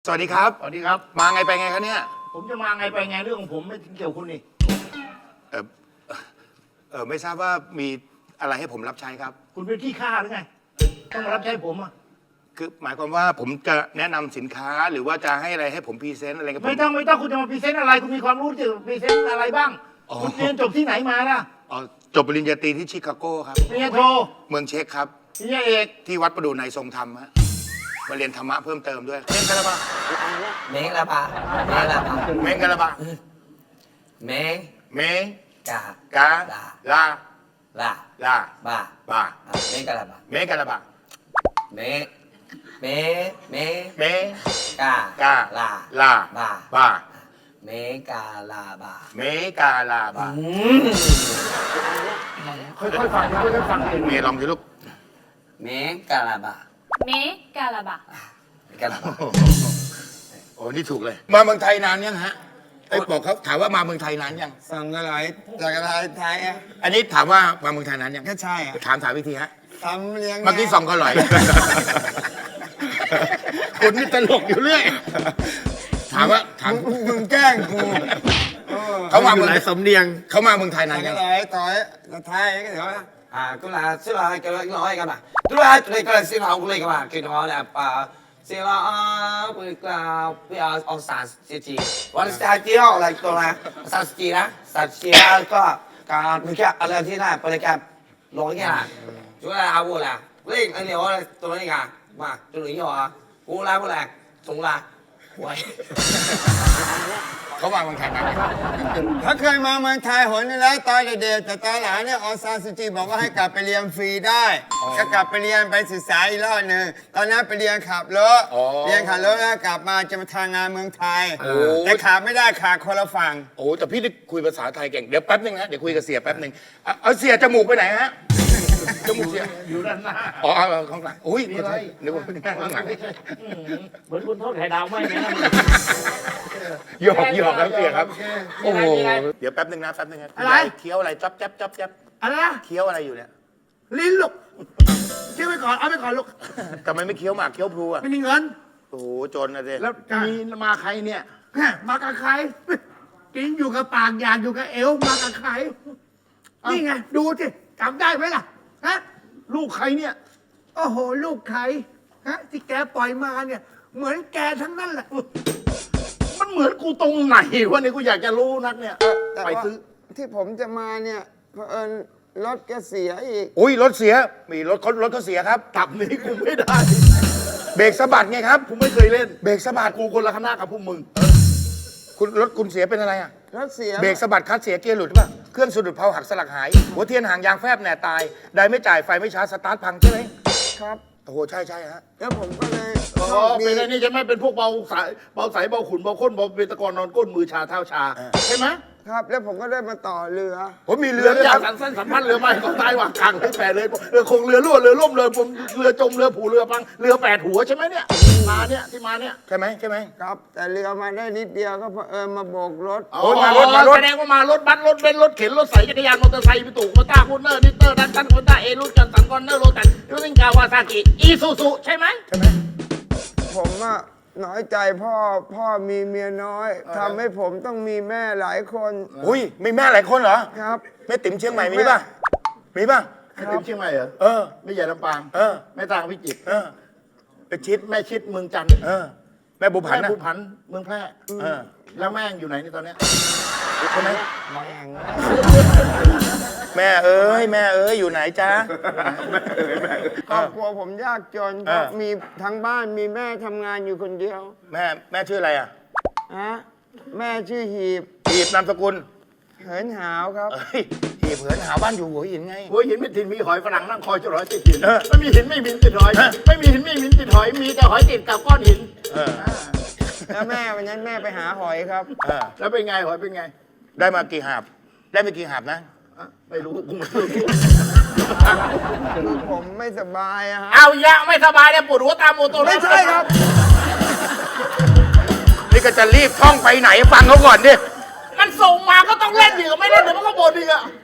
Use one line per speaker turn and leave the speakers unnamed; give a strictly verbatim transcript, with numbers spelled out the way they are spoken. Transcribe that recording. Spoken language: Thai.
สวัสดีครับ
สวัสดีครับ
มาไงไปไงครับเนี่ย
ผมจะมาไงไปไงเรื่องของผมไม่เกี่ยวคุณนี่
เออเออไม่ทราบว่ามีอะไรให้ผมรับใช้ครับ
คุณเป็นขี้ข้าหรือไง ต้องมารับใช้ผมอ่ะ
คือหมายความว่าผมจะแนะนำสินค้าหรือว่าจะให้อะไรให้ผมพรีเซนต์อะไรกับผม
ไม่ต้องไม่ต้องคุณจะมาพรีเซนต์อะไร คุณมีความรู้จะพรีเซนต์อะไรบ้าง
อ๋อ
คุณเรียนจบที่ไหนมาล่ะ
อ๋อจบปริญญาตรีที่ชิคาโกครับ
ปริญญาโท
เมืองเช็กครับ
ปริญญาเอก
ที่วัดประดูในทรงธรรมฮะมาเรียนธรรมะเพิ่มเติมด้วยเล่นกันละบ้า
Mengelapa, mengelapa,
เมงกันละบ้า
me,
เม
ka,
กาลา
la,
ลา
ba,
บา
mengelapa,
เมกันละบ้า
me, me, me,
เม
ka,
กา
la,
ลา
ba,
บา
mengelapa.
เมกาลาบา
ค่อยๆฟังค่อยๆฟังเอง
เมย์ลองสิลูก
Mengelapa,
เมกาลาบะ
mengelapa.
โอ้นี่ถูกเลย มาเมืองไทยนานยังฮะไอ้ยบอกเขาถามว่ามาเมืองไทยนานยัง
สั่งอะไรจากอะไรไทยอ่ะ
อันนี้ถามว่ามาเมืองไทยนานยัง
ก็ใช่อ่ะ
ถามถามวิธีฮะ
ทำเลี้ยง
เมื่อกี้สองก็อร่อย คุณนี่ตลกอยู่เรื่อยถามว่าถาม
มึงมึงแกล้งกูเออ
เขามาเมือง
หลายสำเนียง
เขามาเมืองไทยนา
สั่
น
ง
ยัง
อะไรต่อยไทยก็เดี๋ยวนะ
Ah, cô là sẽ là cái cái nói cái mà. Tôi là tôi cái sẽ học cái mà cái nó là à sẽ là à cái cái bây giờ ông sản sẽ chỉ.วันsẽ chỉ học là tôi là sản chỉ đó, sản chỉ là có cái mình cáiอะไรที่น่ะบริการร้อยแค่น่ะช่วยเอาบุล่ะเล่นอันนี้ว่าตัวนี้อ่ะมาตัวนี้เหรอกูลาบุล่ะส่งลาไว้
เขามาเมืองไทยนานยัง
เขาเคยมาเมืองไทยหนนึงแล้วตอนเด็กๆแต่ตอนหลังเนี่ยออซานซูจิบอกว่าให้กลับไปเรียนฟรีได้ก็กลับไปเรียนไปศึกษาอีกรอบหนึ่งตอนนั้นไปเรียนขับรถเรียนขับรถแล้วกลับมาจะมาทำงานเมืองไทยแต่ขาดไม่ได้ขาดคนละฝั่ง
โอ้แต่พี่ได้คุยภาษาไทยเก่งเดี๋ยวแป๊บนึงนะเดี๋ยวคุยกับเสียแป๊บนึงเอาเอาเสียจมูกไปไหนฮะจมูกเสีย
อยู่ด้านหน้า
อ๋อเอาเอาข้างหลังอุ้ย
มีอะไร
นึกว่าข้างหลัง
อืมเหมือนคุณโทษไข่ดาวไม่ไหมนะ
หยอกหยอกครับเสียครับ
โอ้โห
เดี๋ยวแป๊บนึงนะแป๊บนึงนะ
อะไร
เคี้ยวอะไรจ๊อบจ๊อบจ๊อบจ๊อบ
อะไรนะ
เคี้ยวอะไรอยู่เนี่ย
ลิ้นลูกเชื่อไปก่อนเอาไปก่อนลูก
ทำไมไม่เคี้ยวหมากเคี้ยวพลูอ่ะ
ไม่มีเงิน
โอ้โหจนนะเด็
แล้วมีมาใครเนี่ยแหม่มากับใครกินอยู่กับปากอยากอยู่กับเอวมากับใครนี่ไงดูสิจำได้ไหมล่ะฮะลูกใครเนี่ยโอ้โหลูกใครฮะที่แกปล่อยมาเนี่ย เหมือนแกทั้งนั้นแหละมันเหมือนกูตรงไหนวะเนี่ยกูอยากจะรู้นักเนี่ย
แต่
ไป
ว่า
ซื้อ
ที่ผมจะมาเนี่ยเผอิญรถแกเสียอีก
อุ้ยรถเสียมีรถเขารถเขาเสียครับ
ตับนี้กูไม่ได้
เบรกสะบัดไงครับ
กูไม่เคยเล่น
เบรกสะบัด
กูคนละคณะกับพวกมึง
คุณรถคุณเสียเป็นอะไรอ่ะ
รถเสีย
เบรกสะบัดคลัตช์เสียเกียร์หลุดป่ะเครื่องสะดุดเพลาหักสลักหาย หัวเทียนห่างยางแฟบแหน่ตายได้ไม่จ่ายไฟไม่ชาร์จสตาร์ทพังใช่ไหม
ครับ
โอ้โหใช่ใช่ฮะ
แล้วผมก็เลย
อ๋อ
โชคดี
เป็นไอ้นี่ใช่ไหมเป็นพวกเบาสายเบาสายเบาขุนเบาข้นเบาเป็นตะกอนนอนก้นมือชาเท้าชา ใช่ไหม
ครับแล้วผมก็ได้มาต่อเรือ
ผมมี
เรื
เรือ อด้วย
ยา
ค
ก
รับ
สันสั้นสัมพันธ์เรือไม่ก็ตายว่างกลางเลยแปดเลยเรือคงเรือรั่วเรือล่มเรือผมเรือจมเรือผูเรือพังเรือแปดหัวใช่ไหมเนี่ยมาเนี่ยที่มาเนี่ย
ใช่ไหมใช่ไหม
ครับ แต่เรือมาได้นิดเดียวก็เผอิญมาโบกรถ
โอ้ยมารถมารถ
แสดงว่ามารถบัสรถเบนซ์รถเข็นรถใส่จักรยานมอเตอร์ไซค์พิตุมอต้าคูเนอร์นิเตอร์ดันตันโคต้าเอรุ่นจันสันคอนเนอร์โรตันยูซิงกาวาซากิอีซูซูใช่ไหม
ใช่ไหม
ผมอะน้อยใจพ่อพ่อมีเมียน้อยทำให้ผมต้องมีแม่หลายคน
อุ้ยมีแม่หลายคนเหรอ
ครับ
แม่ติ๋มเชียงใหม่มีป่ะมีป่ะ
แม่ติ๋มเชียงใหม่เหรอ
เออ
ไม่ใหญ่ลำปาง
เออ
แม่ตางพิจิตร
เออไปชิด
แม่ชิดเมืองจันทร์
เออ แม่บุผัน
แม่
นะ
ภูผันเมืองแพร่
เออ
แล้วแม่งอยู่ไหนในตอนเนี้ย
ใช่ไหมแม่เอ้ยแม่เอ้ยอยู่ไหนจ๊ะ
ครอบครัวผมยากจน
เออ
มีทั้งบ้านมีแม่ทำงานอยู่คนเดียว
แม่แม่ชื่ออะไรอ่ะ
ฮะแม่ชื่อหีบ
หีบนามสกุล
เหินหาวครับ
เอ้ยหีบเหินหาบ้านอยู่หัวหินไง
หัวหินไม่ถิ่นมีหอยฝรั่งนั่งคอยจะร้อยติดหิน
เออ
ไม่มีหินไม่มีหินติดหอย ไม่มีหินไม่มีหินติดหอย มีแต่หอยติดกับก้อนหิน
เออ
แล้วแม่วันนั้นแม่ไปหาหอยครับ
เออ
แล้วเป็นไงหอยเป็นไง
ได้มากี่หาบ ได้ไปกี่หาบนะ
อ่ะไม่รู้กูไม่รู้
คือผมไม่สบายอะฮะ
เอายะไม่สบายเนี่ยปวดหัวตามโมโต
ไม่ใช่ครับ
นี่ก็จะรีบท่องไปไหนฟังเขาก่อนดิ
มันส่งมาก็ต้องเล่นดิไม่เล่นเดี๋ยวมันก็บ่นอีกอะ